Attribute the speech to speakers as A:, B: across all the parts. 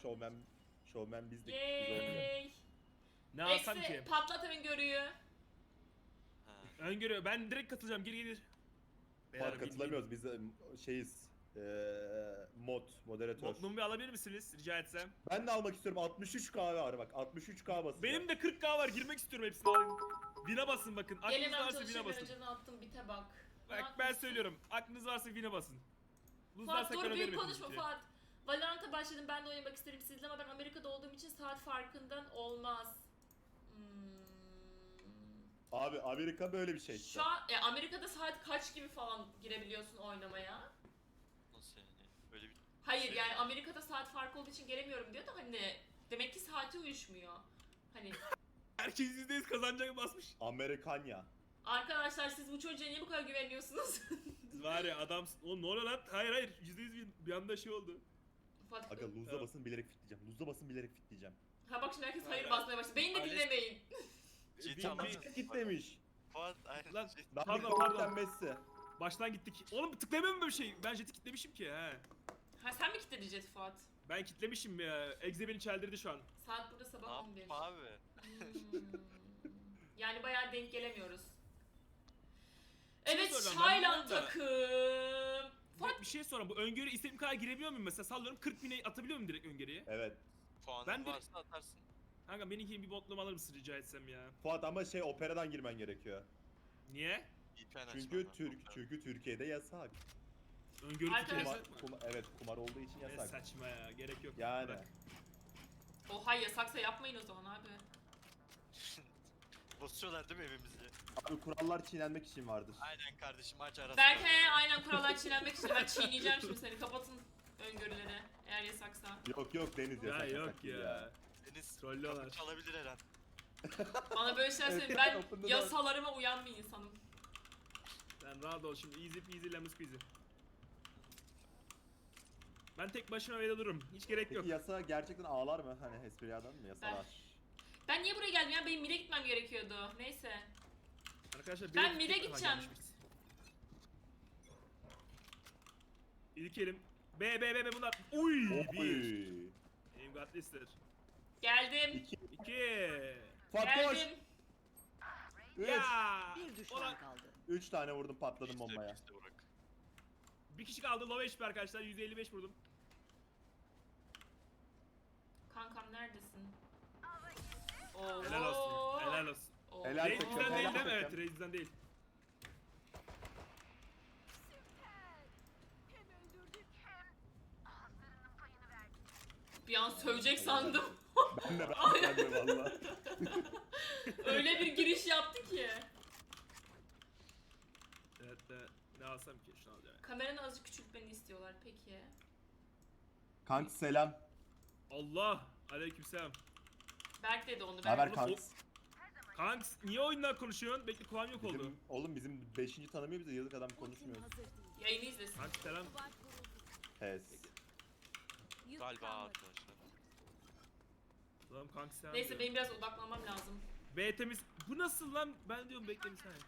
A: Şovmen bizdik. Biz
B: Yay.
C: Ne alsam
B: Eksi
C: ki?
B: patlat öngörüyü.
D: Ha.
C: Öngörü. Ben direkt katılacağım. Gir.
A: Fuat katılamıyoruz. Biz şeyiz. Moderatör.
C: Modlumu bir alabilir misiniz rica etsem?
A: Ben de almak istiyorum. 63K var bak. 63K basacağım.
C: Benim de 40k var. Girmek istiyorum hepsini alayım. Win'e basın bakın. Aklınız
B: Gelemem
C: varsa win'e
B: çalışırken
C: basın.
B: önceden attım bite bak. Ne
C: Bak ben
B: yapmışsın?
C: söylüyorum. Aklınız varsa win'e basın.
B: Fuat dur
C: para
B: büyük
C: vermedim
B: konuşma
C: hiçbir şey.
B: Fuat. Valorant'a başladım, ben de oynamak isterim sizinle ama ben Amerika'da olduğum için saat farkından olmaz.
A: Abi Amerika böyle bir şey işte.
B: Şu an Amerika'da saat kaç gibi falan girebiliyorsun oynamaya?
D: Nasıl yani? Böyle bir
B: Hayır
D: şey.
B: yani Amerika'da saat farkı olduğu için gelemiyorum diyor da hani demek ki saati uyuşmuyor. Hani
C: Herkes %100 kazanacak basmış.
A: Amerikanya.
B: arkadaşlar siz bu çocuğa niye bu kadar güveniyorsunuz?
C: Var ya adam... Oğlum ne oluyor lan? Hayır. %100 bir anda şey oldu.
B: Fuat,
A: Aga lose'a basın bilerek fitleyeceğim. Lose'a basın bilerek fitleyeceğim.
B: ha bak şimdi herkes hayır
C: Hayır.
B: basmaya başladı. Beni de
D: Aile-
B: dinlemeyin.
D: Ciddi ama.
A: Git demiş.
D: Fuat aynen.
C: Lan
D: Ciddi.
C: Pardon.
A: Messi.
C: baştan gittik. Oğlum tıklayamıyorum böyle bir şey. Ben jet'i kitlemişim ki he.
B: Ha sen mi kilitledin Jet Fuat?
C: Ben kitlemişim ya. Egze beni çeldirdi şu an.
B: Saat burada
D: Ne
B: sabah 11.
D: yapma abi?
B: Yani bayağı denk gelemiyoruz.
C: Şey
B: Evet,
C: soracağım,
B: Tayland
C: ben bunu da-
B: takım. Fuat
C: Bir şey sorayım. Bu öngörü istediğim kadar girebiliyor muyum mesela? Sallıyorum 40 bine atabiliyor muyum direkt öngörüye?
A: Evet.
D: Puanın
C: Ben de-
D: varsa atarsın.
C: Kanka benimkini bir botluğum alır mısın rica etsem ya?
A: Fuat ama operadan girmen gerekiyor.
C: Niye?
D: VPN
A: Çünkü
D: açman lazım.
A: çünkü Türkiye'de yasak.
C: Öngörü
B: Arkadaşlar-
C: tutulması.
A: Evet, kumar olduğu için
C: Ne
A: yasak.
C: saçma ya. Gerek yok.
A: Yani.
C: Bırak.
B: Oha yasaksa yapmayın o zaman abi.
D: Basıyorlar değil mi evimizi?
A: Abi kurallar çiğnenmek için vardır.
D: Aynen kardeşim aç arası.
B: Berke aynen kurallar çiğnenmek için ben çiğneyeceğim şimdi seni. Kapatın öngörüleri eğer yasaksa.
A: Yok Deniz
C: Ya
A: yasak.
C: yok
A: yasak değil
C: ya.
D: Deniz
C: Trollüyorlar.
D: kapı çalabilir her an.
B: Bana böyle şeyler söyleyin.
A: Evet,
B: Ben
A: open the door.
B: yasalarıma uyan bir insanım.
C: Sen rahat ol şimdi. Easy peasy lemon squeezy. Ben tek başıma evde dururum. Hiç gerek yok.
A: Peki yasa gerçekten ağlar mı? Hani esprilerden mi yasalar?
B: Ben niye buraya geldim ya? Benim mid'e gitmem gerekiyordu. Neyse.
C: Arkadaşlar
B: Ben
C: bir-
B: mid'e gideceğim.
C: İlk elim. B bunlar. Uy! Bir.
A: Oy.
C: Aim got lister.
B: Geldim.
C: 2.
A: Fuat koş.
B: Geldim.
A: 3.
C: Ya!
E: Bir düşman
C: Ulan,
E: kaldı.
A: 3 tane vurdum patladım bombaya.
D: İşte bırak.
C: bir kişi kaldı. Low HP arkadaşlar. 155 vurdum.
B: Kankam neredesin? Oo.
C: Helal olsun. Helal olsun.
B: Oo.
A: Helal
C: Reis'den
A: takım,
C: değil
A: helal
C: değil mi? Evet,
A: takım.
C: Reis'den değil.
B: Bir an sövecek sandım.
A: Ben de valla.
B: Öyle bir giriş yaptı ki.
C: Evet, ne alsam ki? Şunu alacağım.
B: Kameranı azıcık küçültmeni istiyorlar peki.
A: Kanka selam.
C: Allah! Aleykümselam.
B: Berk dedi onu.
A: Haber
B: Ben
A: kanks.
C: Kanks niye oyundan konuşuyorsun? Bekle kulağım yok oldu.
A: Bizim 5. tanımıyor bize yazık adam konuşmuyor.
E: Hazır değil.
B: yayını izlesin.
C: Kanks selam.
E: Duvar kuruldu.
A: Pes.
E: Yük
D: Galiba
E: kalmadı.
D: arkadaşlar.
C: Tamam kanks selam.
B: Neyse
C: diyor.
B: benim biraz odaklanmam lazım.
C: B temiz. Bu nasıl lan? Ben diyorum bekle bir saniye.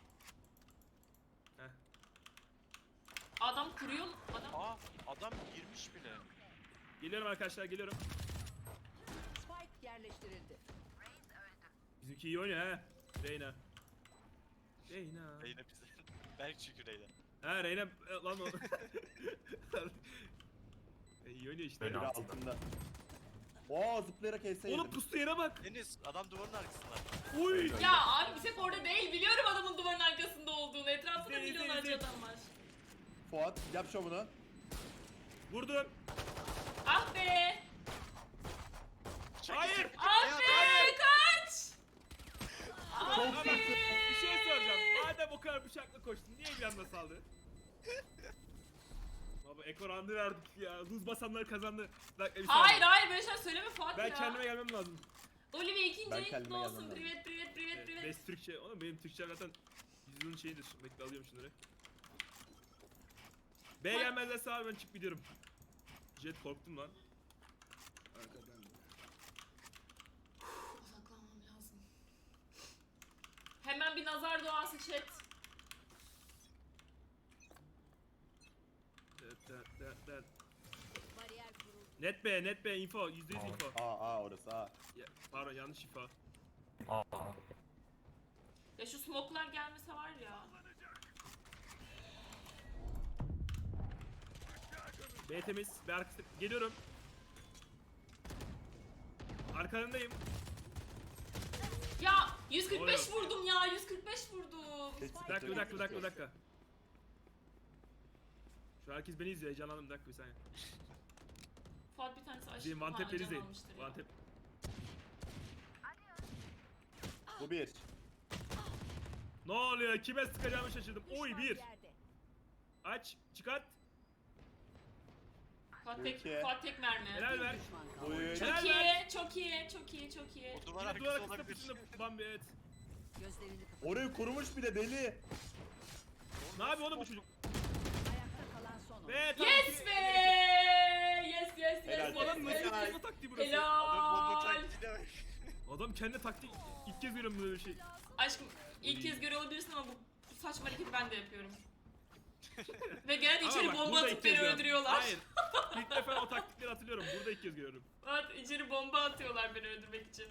C: Heh.
B: Adam kuruyor. Adam.
D: Aa adam girmiş bile.
C: Geliyorum arkadaşlar geliyorum.
E: Spike yerleştirildi.
C: Bizimki iyi oynuyor ha. Reyna. Reyna.
D: Reyna bize. Berk çünkü Reyna.
C: Ha Reyna lan o. iyi oynuyor işte.
A: Biri altında. Oo zıplayarak HS
C: Oğlum
A: yedim.
C: pustu yere bak.
D: Deniz adam duvarın arkasında.
C: Uy.
B: Ya abi bir tek orada değil. Biliyorum adamın duvarın arkasında olduğunu. Etrafında
C: İzle, izle,
B: milyonlarca
C: izle.
B: adam var.
A: Fuat yap şovunu.
C: Vurdum.
B: Ah be!
C: Hayır.
B: Ah be! Kaç! Ah
C: Ama
B: be!
C: bir şey soracağım. Madem o kadar bıçakla koştun niye bir anda saldı? Baba ekorandı verdik ya. Luz basanlar kazandı. Bir dakika, bir
B: Hayır
C: saniye.
B: hayır böyle şeyler söyleme Fuat
C: Ben
B: ya.
C: kendime gelmem lazım.
B: Olivia ikinci
A: Ben
B: ayın kutlu
A: kendime
B: olsun.
A: gelmem lazım.
B: Privet privet privet privet.
C: Best Türkçe. Oğlum benim Türkçem zaten yüzünün şeyidir. Bekle alıyorum şunları. B gelmezlerse abi ben çıkıp gidiyorum. Jet korktum lan. Arkadan.
B: Odaklanmam lazım. Hemen bir nazar duası chat.
C: Evet.
E: Bariyer kuruldu.
C: Net B info. %100 info.
A: Aa orası A.
C: Ya, pardon yanlış info.
F: Aa.
B: Ya şu smoke'lar gelmese var ya.
C: B temiz. B arkası. Geliyorum. Arkalarındayım.
B: Ya 145
C: Oluyor.
B: vurdum ya 145 vurdum.
C: Bir dakika. Şu herkes beni izliyor. Heyecanlandım. Bir dakika bir saniye.
B: Fuat bir tanesi aşırı
C: Zeyim one tap'leri izleyin.
B: almıştır ya.
C: One tap.
A: Bu bir.
C: Ne oluyor? Kime sıkacağımı şaşırdım. Oy
E: Düşman
C: bir.
E: yerde.
C: Aç. Çıkart.
B: Fuat tek,
A: Ülke.
B: Fuat tek mermi.
C: Helal ver.
E: Düşman kaldı.
A: Buyur.
B: Çok
C: Helal
B: iyi,
C: ver.
B: çok iyi, çok iyi, çok iyi.
D: O duvar
C: Yine
D: arkası
C: duvar arkasında
D: olabilir.
C: pusuda Bambi evet.
E: Gözlerini kapat.
A: Orayı kurmuş bir de deli.
C: Ne yapıyor oğlum bu çocuk?
E: Ayakta kalan son oyuncu.
C: Ve tam
B: Yes
C: ki-
B: be! Yes
A: Helal.
B: yes
C: Bu adam
B: yes
C: nasıl
B: yes.
C: yapma taktiği burası?
D: Adam bomba
B: Helal.
D: taktiğine bak.
C: Adam kendi taktiği ilk kez görüyorum böyle bir şey.
B: Aşkım ilk kez görüyor olabilirsin ama bu saçma hareketi ben de yapıyorum. Ve gene de
C: Ama
B: içeri
C: bak,
B: bomba
C: burada ilk
B: atıp
C: kez
B: beni
C: görüyorum.
B: öldürüyorlar.
C: Hayır. İlk defa o taktikleri hatırlıyorum. Burada ilk kez görüyorum.
B: Evet içeri bomba atıyorlar beni öldürmek için.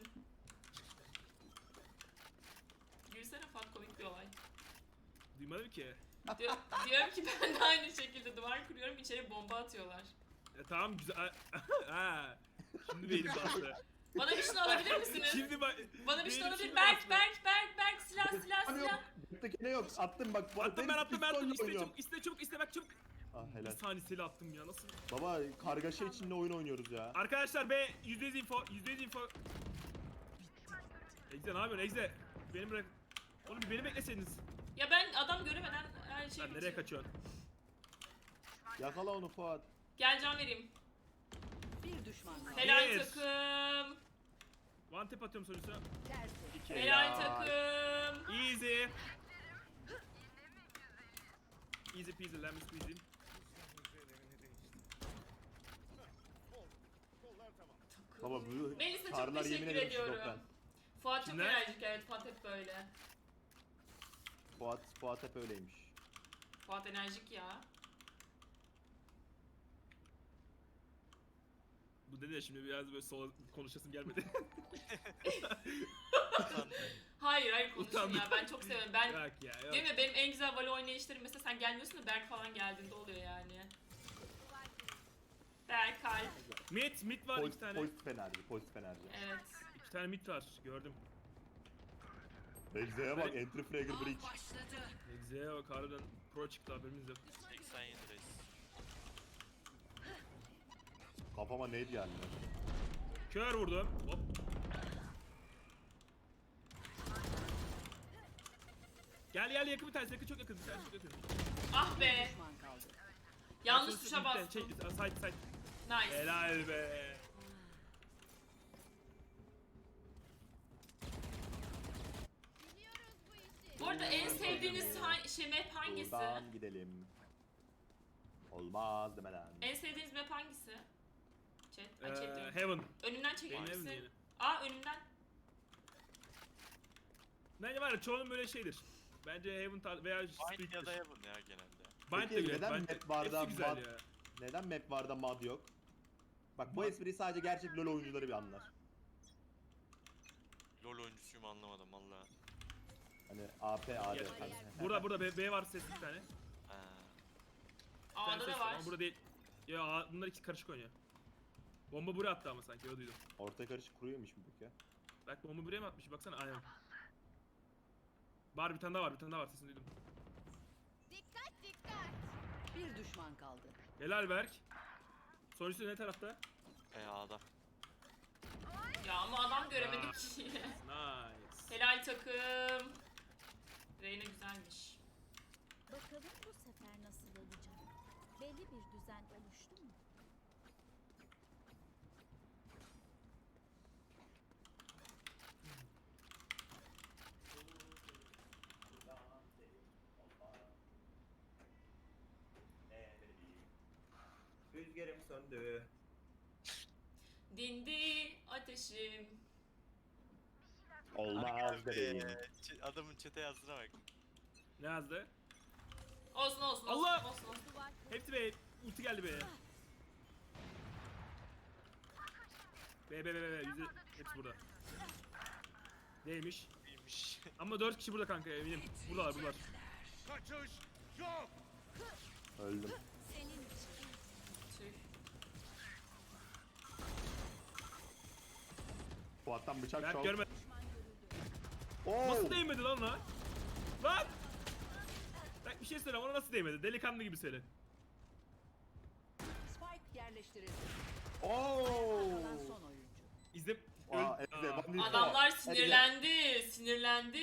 B: Gülsene Fuat komik bir olay.
C: Duymadım ki.
B: Diyorum ki ben de aynı şekilde duvar kuruyorum içeri bomba atıyorlar.
C: Tamam güzel. Ha. Şimdi beynim bastı.
B: Bana bir şunu alabilir misiniz?
C: Şimdi bak.
B: Bana bir şunu
C: beynim
B: alabilir.
C: şimdi
B: Berk,
C: bastı.
B: Berk, silah, silah,
A: Hani yok.
B: silah.
A: Göktekine yok. Attım bak.
C: Attım ben attım. İste
A: oynuyorum.
C: çabuk iste bak çabuk.
A: Ah
C: Bir
A: helal.
C: saniyesiyle attım ya nasıl?
A: Baba kargaşa içinde oyun oynuyoruz ya.
C: Arkadaşlar B %100 info. %100 info. Egze ne yapıyorsun Egze? Beni bırak. Oğlum bir beni bekleseydiniz.
B: Ya ben adam göremeden her şeyi
C: Sen nereye
B: bitiriyorum.
C: kaçıyorsun?
A: Yakala onu Fuat.
B: Gel can vereyim.
E: Bir düşman kaldı.
B: Helal
C: Bir.
B: takım.
C: One tap atıyorum sonuçta.
E: Tersi.
B: Helal takım.
C: Easy. Easy peasy lemon squeezy.
A: Baba bu
B: Melisa çok
A: karlar yemin
B: teşekkür
A: ederim
B: ediyorum.
A: şizofren.
B: Fuat çok
C: Kimler?
B: enerjik evet Fuat hep böyle.
A: Fuat hep öyleymiş.
B: Fuat enerjik ya.
C: Bu dedi ya şimdi biraz böyle sola konuşasım gelmedi.
B: Hayır konuşun
C: Utandım.
B: ya ben çok seviyorum. Ben
C: Yok ya yok.
B: değil mi benim en güzel Valo oynayışlarım mesela sen gelmiyorsun da Berk falan geldiğinde oluyor yani. Berk kalp.
C: Mid var iki tane.
A: Pozitif enerji, pozitif enerji.
B: Evet.
C: İki tane mid var gördüm.
A: Egze'ye bak, entry fragger breach.
C: Egze'ye bak harbiden pro çıktı haberimiz yok.
D: 87 reis.
A: Kafama neydi geldi?
C: Kör vurdum. Hop. Gel yakın bir tanesi yakın çok yakın. Bir tanesi çok yakın.
B: Ah be.
E: Düşman kaldı.
B: Yanlış tuşa
C: Midden,
B: bastım.
C: Side.
B: Nice.
C: Helal be.
B: Bu arada en sevdiğiniz map hangisi?
A: Buradan gidelim. Olmaz demeden.
B: En sevdiğiniz map hangisi? Chat. Ay, chat diyorum.
C: Heaven.
B: Önümden çeker
C: Benim Heaven
B: misin?
C: yeni.
B: Aa önümden.
C: Bence var ya çoğunun böyle şeydir. Bence Heaven veya
D: Bind
C: Split'tir.
D: ya da Heaven ya genelde.
C: Bind de
A: Peki,
C: güzel.
A: neden
C: Bind de-
A: map barda
C: hepsi güzel
A: mod-
C: ya.
A: Neden map varda mod yok? Bak bu espriyi sadece gerçek LoL oyuncuları bir anlar.
D: LoL oyuncusuyum anlamadım valla.
A: Hani AP, AD.
C: Gel.
A: hani.
C: Burada B var sesli bir tane.
D: Ha.
C: Bir tane
B: A'da
C: ses
B: da var.
C: Ama burada değil. Ya bunlar ikisi karışık oynuyor. Bomba buraya attı ama sanki öyle duydum.
A: Orta karışık kuruyormuş mu peki?
C: Bak bomba buraya mı atmış baksana aynen. Bir tane daha var sesini duydum.
E: Bir düşman kaldı.
C: Helal Berk. Sonuçta ne tarafta?
D: A'da.
B: Ya ama adam göremedik ki.
C: Nice.
B: Helal takım. Reyna güzelmiş.
G: Bakalım bu sefer nasıl olacak? Belli bir düzen oluştu mu?
A: Rüzgarım söndü.
B: Dindi ateşim.
A: Olmaz bebeğim.
D: Adamın çete yazdığına bak.
C: Ne yazdı?
B: Olsun.
C: Allah!
B: Olsun.
C: Hepsi B. Ulti geldi B'ye. B. Yüzde hepsi burada. Neymiş?
D: İyiymiş.
C: Ama 4 kişi burada kanka eminim. Buradalar.
A: Öldüm.
B: Tüh.
A: Fuat'tan bıçak
C: Berk
A: şov.
C: görmedi.
A: Oo!
C: Nasıl değmedi lan ona? Lan! Bak bir şey söyle ona nasıl değmedi? Delikanlı gibi söyle.
E: Spike yerleştirildi.
A: Oo!
E: Kalan son oyuncu.
C: İzle...
A: Aa,
C: Öl-
A: Eze,
C: Aa.
A: ben değil.
B: Adamlar
A: Eze.
B: sinirlendi. Sinirlendi.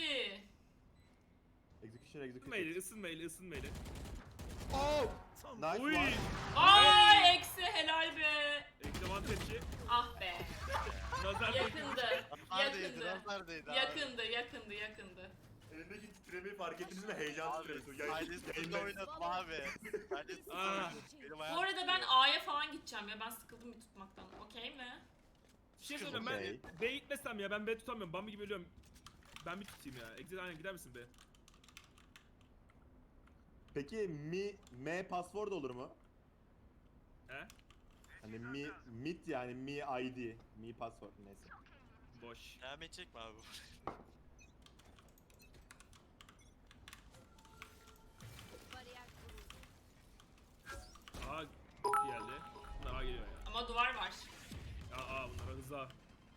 A: Execution.
C: Isınmayla.
A: Oh! Nice
C: Uy!
A: one.
B: Ay eksi helal be.
C: Ekleman tepki.
B: Ah be.
C: Nazar
B: Yakındı.
D: Neredeydi?
B: Yakındı.
D: Neredeydi abi?
B: Yakındı.
A: Elindeki titremeyi fark ettiniz mi? Heyecan
D: Abi, Silas'ta oynadım abi. Silas'ta
C: Aa.
D: oynadım. Benim
B: Bu
D: ayağım
B: arada ben
D: tutuyor.
B: A'ya falan gideceğim ya. Ben sıkıldım bir tutmaktan. Okey mi?
C: Bir şey söyleyeyim ben
A: Okey.
C: B gitmesem ya ben B tutamıyorum. Bambi gibi ölüyorum. Ben bir tutayım ya. Exit aynen gider misin B?
A: Peki M password olur mu?
C: He?
A: Hani MIT yani Mi ID. Mi password neyse.
C: Boş.
D: Devam edecek mi abi bu?
G: Bariyer kuruldu.
C: A geldi. Bunlar A geliyor ya.
B: Ama duvar var.
C: Bunlara hızlı A.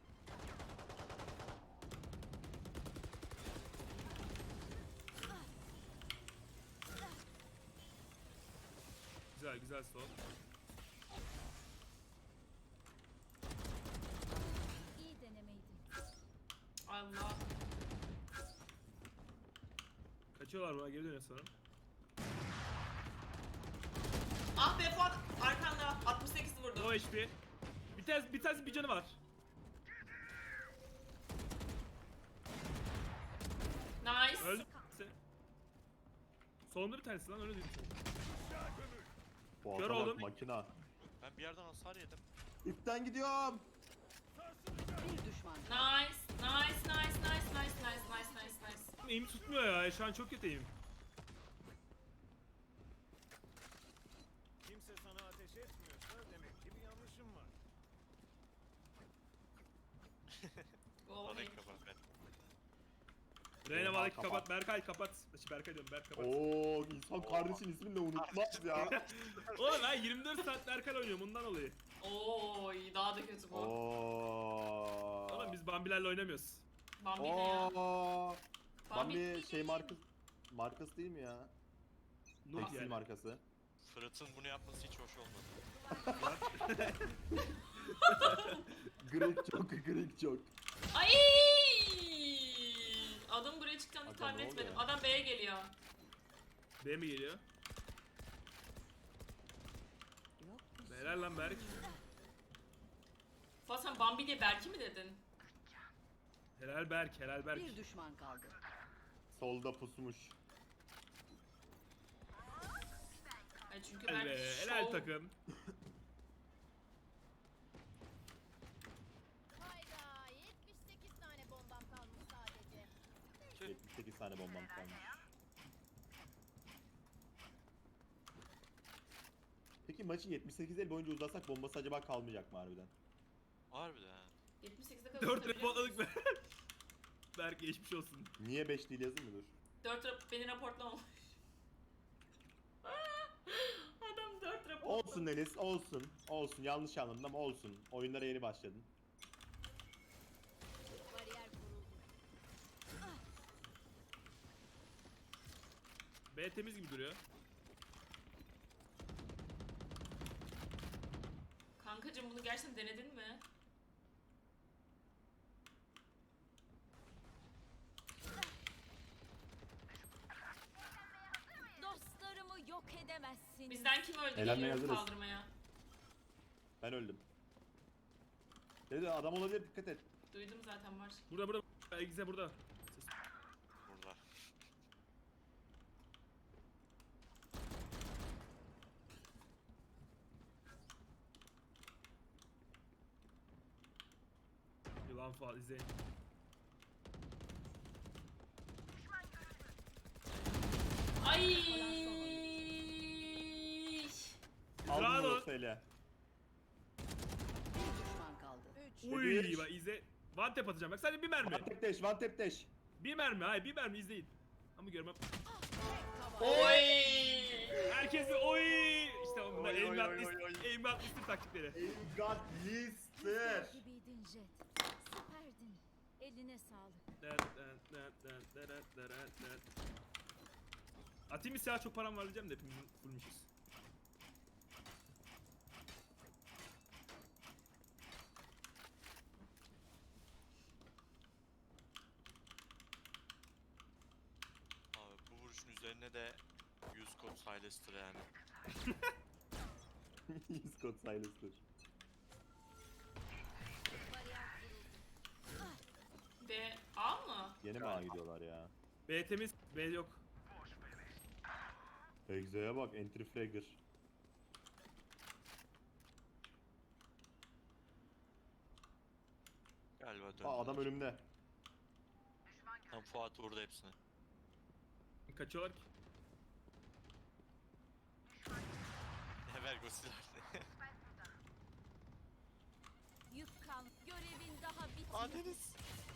C: Güzel sol.
G: İyi denemeydi.
B: Allah.
C: Kaçıyorlar buna geri dönüyor sanırım.
B: Ah be Fuat. Arkanda. 68 vurdum.
C: No HP. Bir tanesi bir canı var.
B: Nice.
C: Öldü. Solunda bir tanesi lan öyle değil.
A: Fuat'a
C: Kör
A: bak,
C: oldum.
A: makina.
D: Ben bir yerden hasar yedim.
A: İpten gidiyorum.
E: Bir düşman kaldı.
B: Nice.
C: Eğim tutmuyor ya. Şu an çok kötü eğim.
F: Kimse sana ateş etmiyorsa demek ki bir yanlışım var.
B: Go
D: Bana
B: ahead.
D: kapat ben.
C: Reyna
A: Oha,
C: Malek
A: kapat.
C: kapat. Berkay kapat. Berkay diyorum Berk kapat.
A: Oo, insan kardeşin ismini de unutmaz ya.
C: Oğlum ben 24 saat Berkay oynuyorum ondan dolayı.
B: Oy daha da kötü bu.
A: Oo.
C: Oğlum biz Bambilerle oynamıyoruz.
B: Bambi ne ya?
A: Oo.
B: Bambi
A: Bambi şey markası değil mi ya?
C: Noob
A: Tekstil
C: yani.
A: markası.
D: Fırat'ın bunu yapması hiç hoş olmadı.
A: Greek çok.
B: Ay! Adam buraya çıkacağını
A: Adam
B: tahmin
A: ne oldu
B: etmedim.
A: ya?
B: Adam B'ye geliyor.
C: B mi geliyor?
E: Yok.
C: Helal lan Berk.
B: Fuat sen Bambi diye Berk'i mi dedin?
C: Helal Berk. Helal Berk.
E: Bir düşman kaldı.
A: Solda pusmuş.
B: Ay çünkü
C: Helal
B: Berk
C: be.
B: şov.
C: Helal takım.
G: Hayda 78 tane bombam kalmış sadece.
A: 78 tane bombam kalmış. Peki maçı 78 el boyunca uzatsak bombası acaba kalmayacak mı harbiden?
D: Harbiden ha.
B: 78'e kadar
C: 4
B: tutabiliyor
C: reportladık
B: musun?
C: be. Berk geçmiş olsun.
A: Niye 5 değil yazayım mı dur?
B: 4 beni raportlamamış. Adam 4 rapor.
A: Olsun Enes olsun. Olsun yanlış anladım ama olsun. Oyunlara yeni başladın.
G: Bariyer kuruldu.
C: B temiz gibi duruyor.
B: Kankacım bunu gerçekten denedin mi?
G: Dostlarımı yok edemezsin.
B: Bizden kim öldü
A: Eğlenmeye
B: geliyorum
A: hazırız.
B: kaldırmaya.
A: Ben öldüm. Dedi adam olabilir dikkat et.
B: Duydum zaten var.
C: Burada. Exe burada.
D: Burada.
C: Yılan falan izleyin.
B: Ay!
A: Aldın
C: Bravo.
A: mı söyle.
E: Bir düşman kaldı.
C: Uy bak izle. One tap atacağım bak sadece bir mermi.
A: One tap dash, one tap dash.
C: Bir mermi hayır bir mermi izleyin. Ama görmem.
B: Oy.
C: Herkes bir oy. İşte onlar
D: Oy, oy,
C: aimbot
D: oy, oy.
C: list taktikleri.
A: God lister.
G: Gibiydin Jet. Süperdin. Eline sağlık.
C: Atayım bir silah çok param var diyeceğim de hepimiz fullmüşüz.
D: Abi bu vuruşun üzerine de 100 kod Silas'tır yani.
A: Scott Silas'tır.
B: B A mı?
A: Yeni mi A gidiyorlar ya?
C: B temiz, B yok.
A: Exo'ya bak, entry fragger.
D: Galiba döndü.
A: Aa, adam önümde.
D: Tam Fuat vurdu hepsini.
C: Kaçıyorlar ki.
D: Ne ver silahını.
G: Yük kal. Görevin daha bitmedi.
D: Aa Deniz.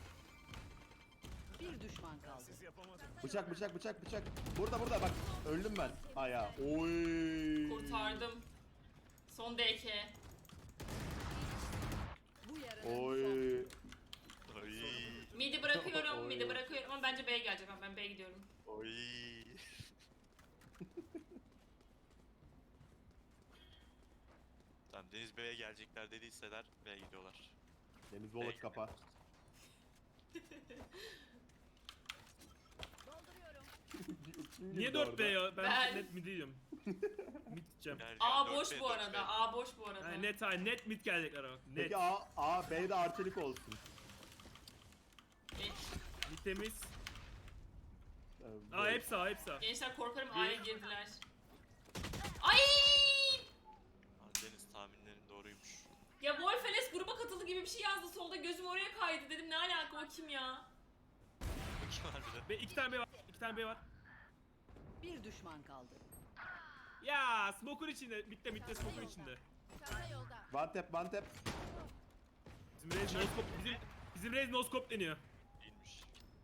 E: Bir düşman kaldı.
F: Siz yapamadınız.
A: Bıçak, bıçak, bıçak, bıçak. Burada bak. Öldüm ben. Aya. Oy.
B: Kurtardım. Son DK.
E: Bu yarının
A: Oy.
E: son.
D: Oy.
B: Midi bırakıyorum,
A: Oy.
B: midi bırakıyorum ama bence B'ye gelecek. Ben B'ye gidiyorum.
D: Oy. Tamam Deniz Bey'e gelecekler dediyseler B'ye gidiyorlar.
A: Deniz Bolaç kapa.
G: Dolduruyorum.
C: Niye 4B ya? Ben
B: Ben-
C: net mid diyorum. Mid diyeceğim.
D: Gel,
B: A
D: gel,
B: boş
D: 4B,
B: bu arada.
D: 4B.
B: A boş bu arada.
C: Yani net mid gelecekler ama. Net.
A: Peki A, B'de arçelik olsun.
B: Geç.
C: Mid temiz.
A: Ee,
C: Aa hepsi A hepsi A.
B: Gençler korkarım A'ya girdiler. Ay!
D: Aa, Deniz tahminlerin doğruymuş.
B: Ya Wolfeles gruba katıldı gibi bir şey yazdı solda, gözüm oraya kaydı, dedim ne alaka, o kim ya?
D: Kim var bir de?
C: Ve 2 tane B var. 2 tane B var.
E: Bir düşman kaldı.
C: Ya smoke'un içinde. Mid'de smoke'un içinde.
G: Çanta yolda.
A: One tap, one tap.
C: Bizim Raze no scope bizim Raze no scope deniyor.
D: Değilmiş.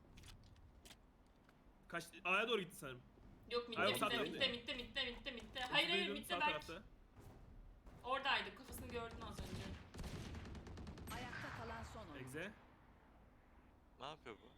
C: Kaç A'ya doğru gitti sanırım.
B: Yok mitte
C: Hayır,
B: mitte
C: sağ
B: mitte
C: tarafta.
B: mitte. Hayır
C: Bizim Raze'in
B: mitte
C: sağ
B: Berk.
C: tarafta.
B: Oradaydı, kafasını gördün az önce.
E: Ayakta kalan son oyun.
C: Exe.
D: Ne yapıyor bu?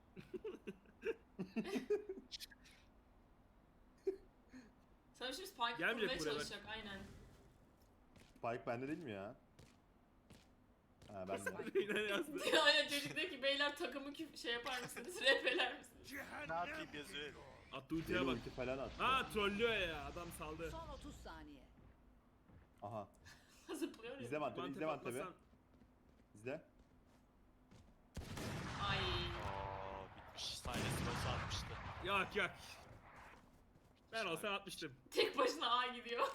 B: Sana şimdi Spike
C: Gelmeyecek
B: kurmaya
C: buraya
B: çalışacak, aynen.
A: Spike bende değil mi ya? Ha bende.
C: Yine yazdı.
B: Aynen, çocuk diyor ki beyler takımı şey yapar mısınız, repeler misiniz?
D: Ne yapayım yazıyor.
C: Attı ultiye bak.
A: Ulti falan attı.
C: Ha trollüyor ya adam saldı.
E: Son 30 saniye.
A: Aha.
B: Zıplıyor ya.
A: İzle Vantep'i,
C: Mantep
A: izle Vantep'i.
C: atmasan-
A: İzle.
B: Ay.
D: Aa bitmiş. Silas'ı nasıl atmıştı.
C: Yok. Ben olsam atmıştım.
B: Tek başına A gidiyor.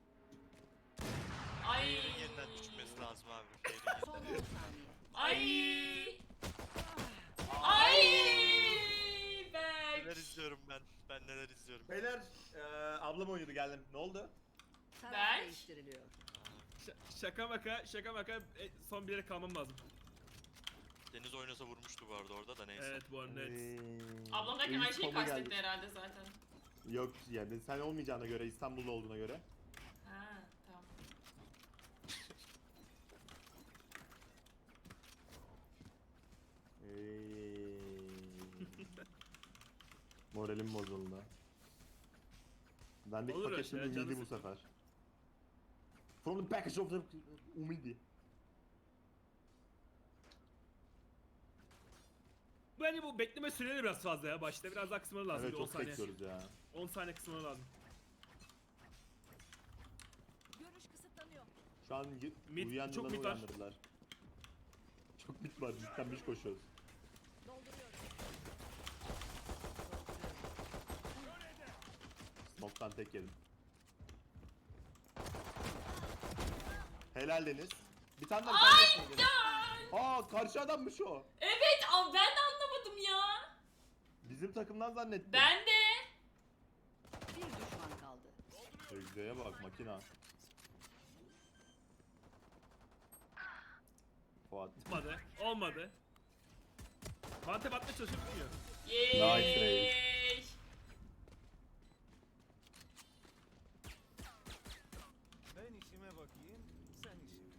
B: Ay.
D: Fair'in yeniden düşmesi lazım abi. Fair'in
E: Son 10
D: yeniden.
E: saniye.
B: Ay. Ay.
D: Neler
B: Berk.
D: izliyorum ben. Ben neler izliyorum.
A: Beyler, ablam oynuyordu, geldim. Ne oldu?
E: Taraf
B: Berk.
E: değiştiriliyor.
C: Şaka maka son bir yere kalmam lazım.
D: Deniz oynasa vurmuştu bu arada orada da neyse.
C: Evet bu arada net.
B: Ablam derken aynı şeyi kastetti herhalde zaten.
A: Yok yani sen olmayacağına göre, İstanbul'da olduğuna göre.
B: Ha, tamam.
A: Moralim bozuldu. Bendeki
C: Olur öyle
A: paket şimdi
C: şeyler,
A: umidi
C: canı
A: bu
C: sıkma.
A: sefer. From the package of the umidi.
C: Bence bu bekleme süreleri biraz fazla ya. Başta biraz daha kısmaları lazım.
A: Evet,
C: bir 10
A: çok
C: saniye.
A: bekliyoruz ya.
C: 10 saniye kısmaları lazım.
G: Görüş kısıtlanıyor.
A: Şu an
C: Mid-
A: uyuyan
C: çok
A: yılanı
C: mid var.
A: uyandırdılar. Çok mid var, cidden biz koşuyoruz.
G: Dolduruyorum.
A: Smoke'tan tek yedim. Helal Deniz. Bir tane daha, bir tane daha. Aa, karşı adammış o.
B: Evet, ben de anlamadım ya.
A: Bizim takımdan zannettim.
B: Ben de.
E: Bir düşman kaldı.
A: Egze'ye bak, makina. Fuat.
C: Olmadı. Olmadı. Mantep atmaya çalışıp bitmiyor.
B: Yeeey.
F: Ben işime bakayım, sen işine.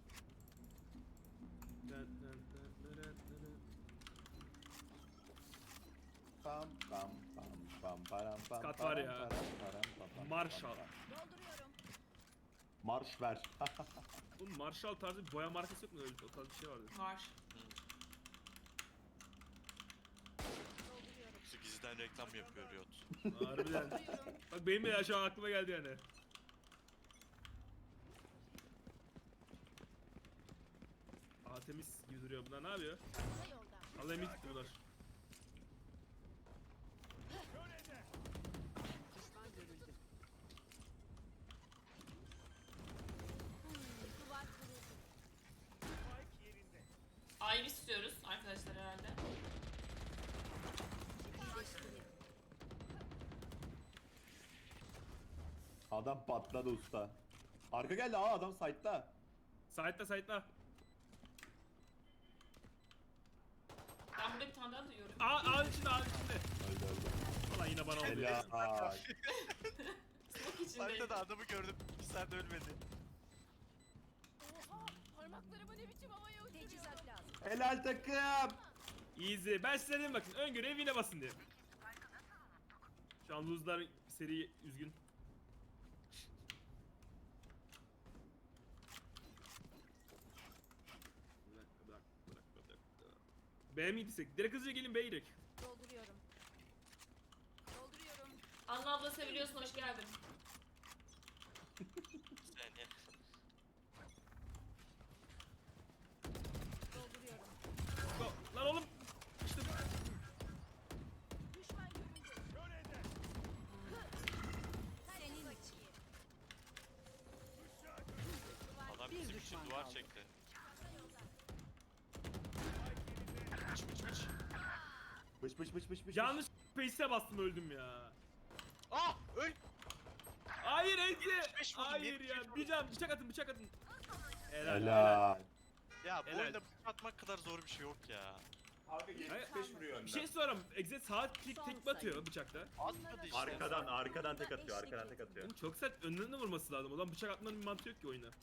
A: Pam pam pam pam param pam.
C: Kat var
A: param,
C: ya.
A: param, param, pam, pam,
C: Marshall.
A: pam, pam.
G: Dolduruyorum.
A: Marş ver.
C: Bu Marshall tarzı bir boya markası yok mu? Öyle o tarz bir şey vardı.
B: Var.
G: Dolduruyorum.
D: Şu gizliden reklam yapıyor Riot.
C: Harbiden. Bak benim de ya şu an aklıma geldi yani. Aa temiz gibi duruyor bunlar. Ne yapıyor?
G: Kısa yolda.
C: Allah emin gitti bunlar.
E: Düşman görüldü.
G: Duvar kuruldu.
F: Spike yerinde.
B: Ay istiyoruz arkadaşlar herhalde.
E: İyileştirin.
A: Adam patladı usta. Arka geldi adam site'da.
C: Side'la.
B: Ben burada bir tane daha duyuyorum.
C: Ağın içinde.
A: Öldü öldü.
C: Ulan yine bana oldu.
A: Helal.
B: Smoke içindeyim.
D: Haritada adamı gördüm. 2 saat ölmedi.
G: Oha! Parmaklarımı ne biçim havaya uçuruyorum.
E: Teçhizat lazım.
A: Helal takım.
C: Easy. Ben size dedim bakın. Öngörü evine basın diye. Şu an lose'lar seri üzgün. Bir dakika. B'ye mi gitsek? Direkt hızlıca gelin B'ye gidelim.
G: Dolduruyorum. Dolduruyorum.
B: Anla abla seviliyorsun, hoş geldin.
D: Bir saniye.
G: Dolduruyorum.
C: Go. Lan oğlum. İşte
G: Düşman görüldü. Senin için.
D: Adam
E: Bir
D: bizim için
E: düşman
D: duvar
E: kaldı.
D: çekti. Mıç mıç mıç.
A: Bış bış bış bış bış.
C: yanlış face'e bastım öldüm ya.
D: Ah öl.
C: Hayır Ece.
D: 75 vurdum,
C: Hayır
D: 75
C: ya.
D: vurdum.
C: Bir can bıçak atın. Helal.
A: Helal.
D: Ya bu
C: Helal.
D: oyunda bıçak atmak kadar zor bir şey yok ya.
A: Abi 75 vuruyor
C: Bir şey sorarım. Exe sağ klik
E: Son
C: tek batıyor
E: sayı.
C: bıçakta.
D: Atmadı işte.
A: Arkadan tek atıyor. Arkadan tek atıyor.
C: Oğlum çok sert önlerine vurması lazım. O zaman bıçak atmanın bir mantığı yok ki oyuna.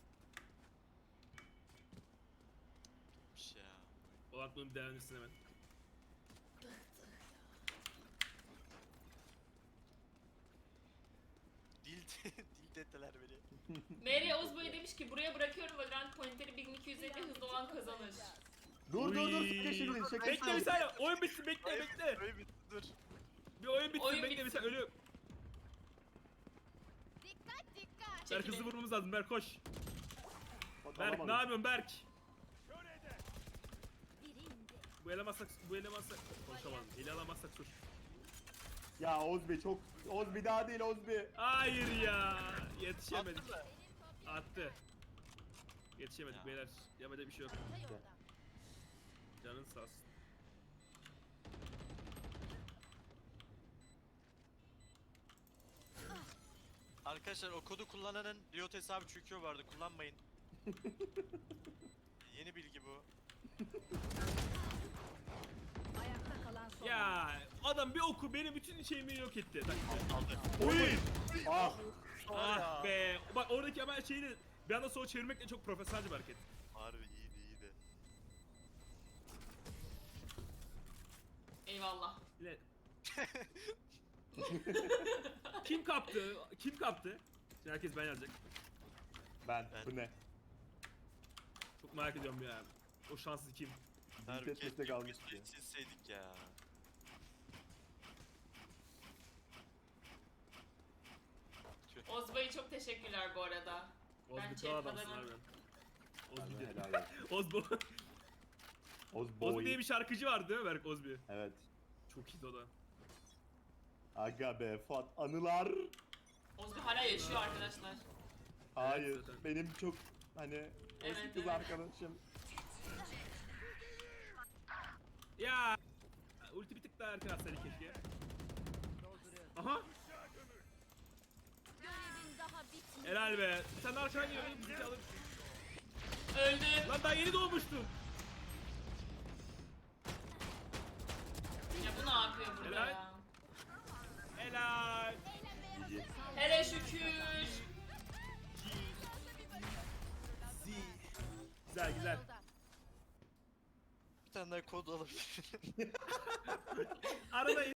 D: Bitmiş ya.
C: O zaman bunu bir değerlendirsin hemen.
D: Dil dediler beni.
B: Mary Ozboy demiş ki buraya bırakıyorum Valorant pointeri 1250 hızlı olan kazanır.
A: Dur
C: Uy.
A: şaka şimdi şaka.
C: Bekle bir saniye. Oyun bitsin bekle.
D: Öyle bitti dur.
C: Bir oyun bitsin
B: Oyun
C: bekle bir
B: bitsin.
C: saniye. Ölüyorum.
G: Dikkat dikkat.
C: Berk
B: Çekilin.
C: hızlı vurmamız lazım. Berk koş. Berk ne
A: Alamadım.
C: yapıyorsun Berk?
G: Biri indi.
C: Bu elemezsek konuşamadım. Eli alamazsak sus.
A: Ya Ozbi çok. Ozbi daha değil Ozbi.
C: Hayır ya. Yetişemedik.
D: Attın mı?
C: Attı. Yetişemedik
D: Ya.
C: beyler. Yapacak bir şey yok.
G: Kısa yolda.
C: Canın sağ olsun.
D: Arkadaşlar o kodu kullananın Riot hesabı çöküyor vardı. Kullanmayın. Yeni bilgi bu.
E: Ayakta kalan son.
C: Ya adam bir oku benim bütün şeyimi yok etti. Bak.
D: Aldı.
C: Oy!
A: Ah.
C: Ah be. Bak oradaki ama şeyi de bir anda sola çevirmekle çok profesyonelce bir hareket.
D: Harbi iyiydi.
B: Eyvallah.
C: Yine... Kim kaptı? Kim kaptı? Şimdi herkes ben yazacak.
A: Ben.
D: Ben.
A: Bu ne?
C: Çok merak ediyorum ya. O şanslı kim?
D: Harbi
A: Vites
D: keşke
A: kalmış
D: biz
A: ki.
D: silseydik ya.
B: Ozboy'a çok teşekkürler bu arada.
C: Ozbi
B: Bence
C: kral adamsın
B: adamın-
C: harbiden. Ozbi
A: Harbiden
C: diyor.
A: helal olsun.
C: Ozbo.
A: Ozboy.
C: Ozbi diye bir şarkıcı vardı değil mi Berk Ozbi?
A: Evet.
C: Çok iyiydi o da.
A: Aga be Fuat anılar.
B: Ozboy hala yaşıyor arkadaşlar.
A: Hayır.
C: zaten.
A: Benim çok hani eski
B: Evet,
A: kız
B: evet.
A: arkadaşım.
C: Ya ulti bir tık daha erken atsaydı keşke.
E: Dolduruyorum.
C: Aha
G: Görevin daha bitmedi.
C: helal be. Bir tane daha arkadan geliyor. Bizi alır.
B: Öldü.
C: Lan daha yeni doğmuştum.
B: Ya bu ne yapıyor burada
C: Helal.
B: ya?
C: Helal.
A: GG.
B: Hele şükür.
C: Güzel güzel.
D: Bir tane daha kod alabilirim.
C: Arada